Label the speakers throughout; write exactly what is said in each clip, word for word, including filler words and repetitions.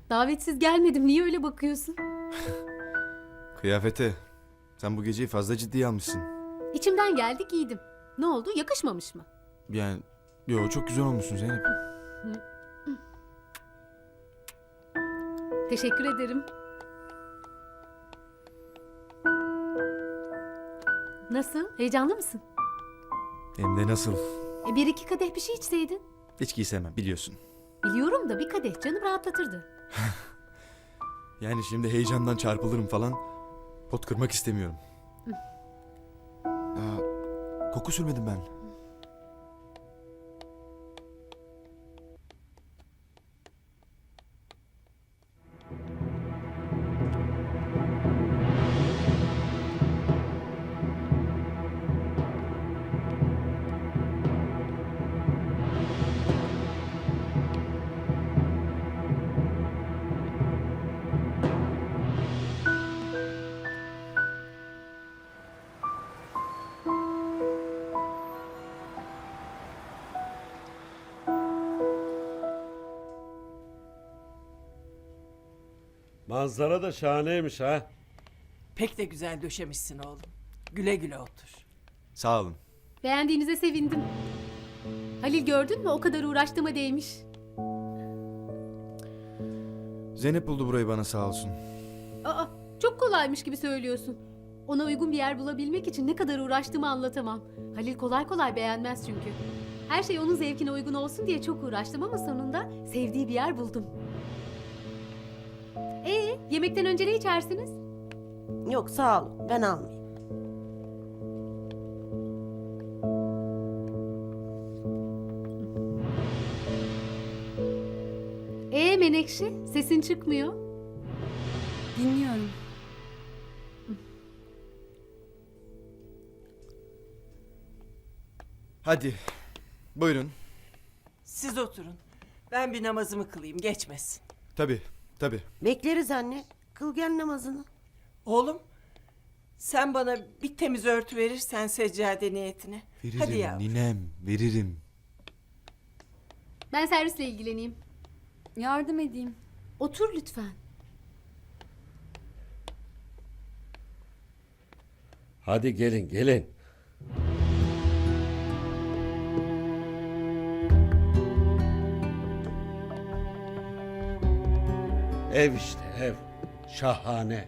Speaker 1: Davetsiz gelmedim. Niye öyle bakıyorsun?
Speaker 2: Kıyafete. Sen bu geceyi fazla ciddiye almışsın.
Speaker 1: İçimden geldi giydim. Ne oldu? Yakışmamış mı?
Speaker 2: Yani yo çok güzel olmuşsun Zeynep.
Speaker 1: Teşekkür ederim. Nasıl? Heyecanlı mısın?
Speaker 2: Hem de nasıl?
Speaker 1: E bir iki kadeh bir şey içseydin.
Speaker 2: İçki istemem biliyorsun.
Speaker 1: Biliyorum da bir kadeh canım rahatlatırdı.
Speaker 2: Yani şimdi heyecandan çarpılırım falan. Pot kırmak istemiyorum. Aa, koku sürmedim ben.
Speaker 3: Manzara da şahaneymiş ha.
Speaker 4: Pek de güzel döşemişsin oğlum. Güle güle otur.
Speaker 2: Sağ olun.
Speaker 1: Beğendiğinize sevindim. Halil gördün mü? O kadar uğraştığıma değmiş.
Speaker 2: Zeynep buldu burayı bana sağ olsun.
Speaker 1: Aa, çok kolaymış gibi söylüyorsun. Ona uygun bir yer bulabilmek için ne kadar uğraştığımı anlatamam. Halil kolay kolay beğenmez çünkü. Her şey onun zevkine uygun olsun diye çok uğraştım ama sonunda sevdiği bir yer buldum. Ee, yemekten önce ne içersiniz?
Speaker 5: Yok sağ ol, ben almayayım.
Speaker 1: Ee Menekşe, sesin çıkmıyor.
Speaker 6: Dinliyorum.
Speaker 2: Hadi. Buyurun.
Speaker 4: Siz oturun. Ben bir namazımı kılayım, geçmesin.
Speaker 2: Tabii tabii.
Speaker 5: Bekleriz anne, kıl gel namazını.
Speaker 4: Oğlum, sen bana bir temiz örtü verirsen seccade niyetine.
Speaker 2: Veririm
Speaker 4: Hadi yavrum.
Speaker 2: ninem veririm.
Speaker 1: Ben servisle ilgileneyim.
Speaker 6: Yardım edeyim.
Speaker 1: Otur lütfen.
Speaker 3: Hadi gelin gelin. Ev işte ev. Şahane.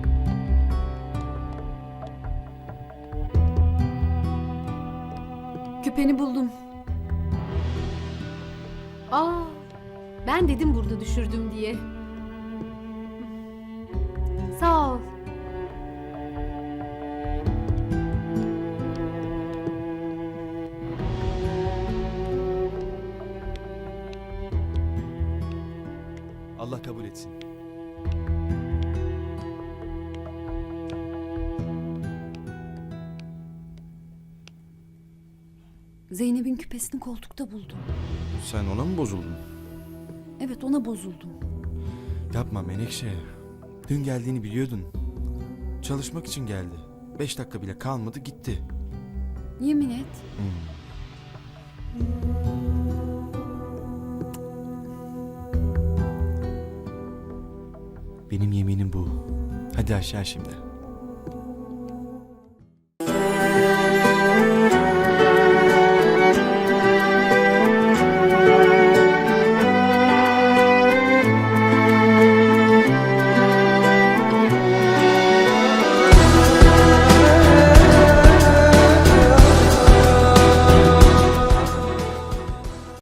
Speaker 6: Küpeni buldum.
Speaker 1: Aa, ben dedim burada düşürdüm diye. Sağ ol.
Speaker 2: Allah kabul etsin.
Speaker 6: Zeynep'in küpesini koltukta buldum.
Speaker 2: Sen ona mı bozuldun?
Speaker 6: Evet, ona bozuldum.
Speaker 2: Yapma Menekşe. Dün geldiğini biliyordun. Çalışmak için geldi. Beş dakika bile kalmadı gitti.
Speaker 6: Yemin et.
Speaker 2: Benim yeminim bu. Hadi aşağı şimdi.